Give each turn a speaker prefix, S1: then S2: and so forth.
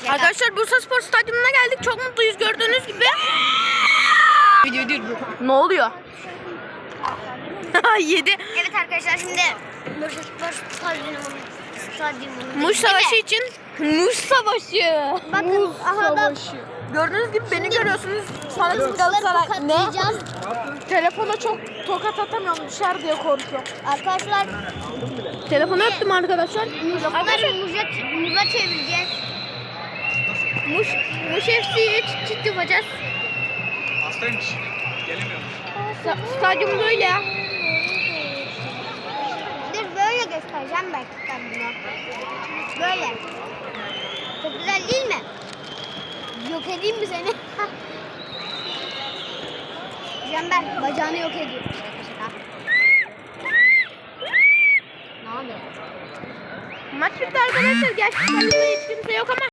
S1: Arkadaşlar Bursaspor Stadyumuna geldik. Çok mutluyuz gördüğünüz gibi. Ne oluyor? Yedi.
S2: Evet arkadaşlar şimdi Bursaspor Stadyumunda.
S1: Muş Savaşı için. Muş Savaşı.
S2: Bakın aha da
S1: Gördüğünüz gibi beni görüyorsunuz. Fanatik Galatasaray. Ne? Telefona çok tokat atamıyorum düşer diye korkuyorum.
S2: Arkadaşlar
S1: Telefonu öptüm arkadaşlar.
S2: arkadaşlar muza çevireceğiz.
S1: Muş FC'ye çit yapacağız.
S3: Hastaymış. Gelemiyor.
S1: Stadyum böyle.
S2: Dur böyle göstereceğim belki ben bunu. Böyle. Çok güzel değil mi? Yok edeyim mi seni? Cember bacağını yok ediyor. Ne oluyor?
S1: Maç bitti arkadaşlar. Gerçekten hiç kimse yok ama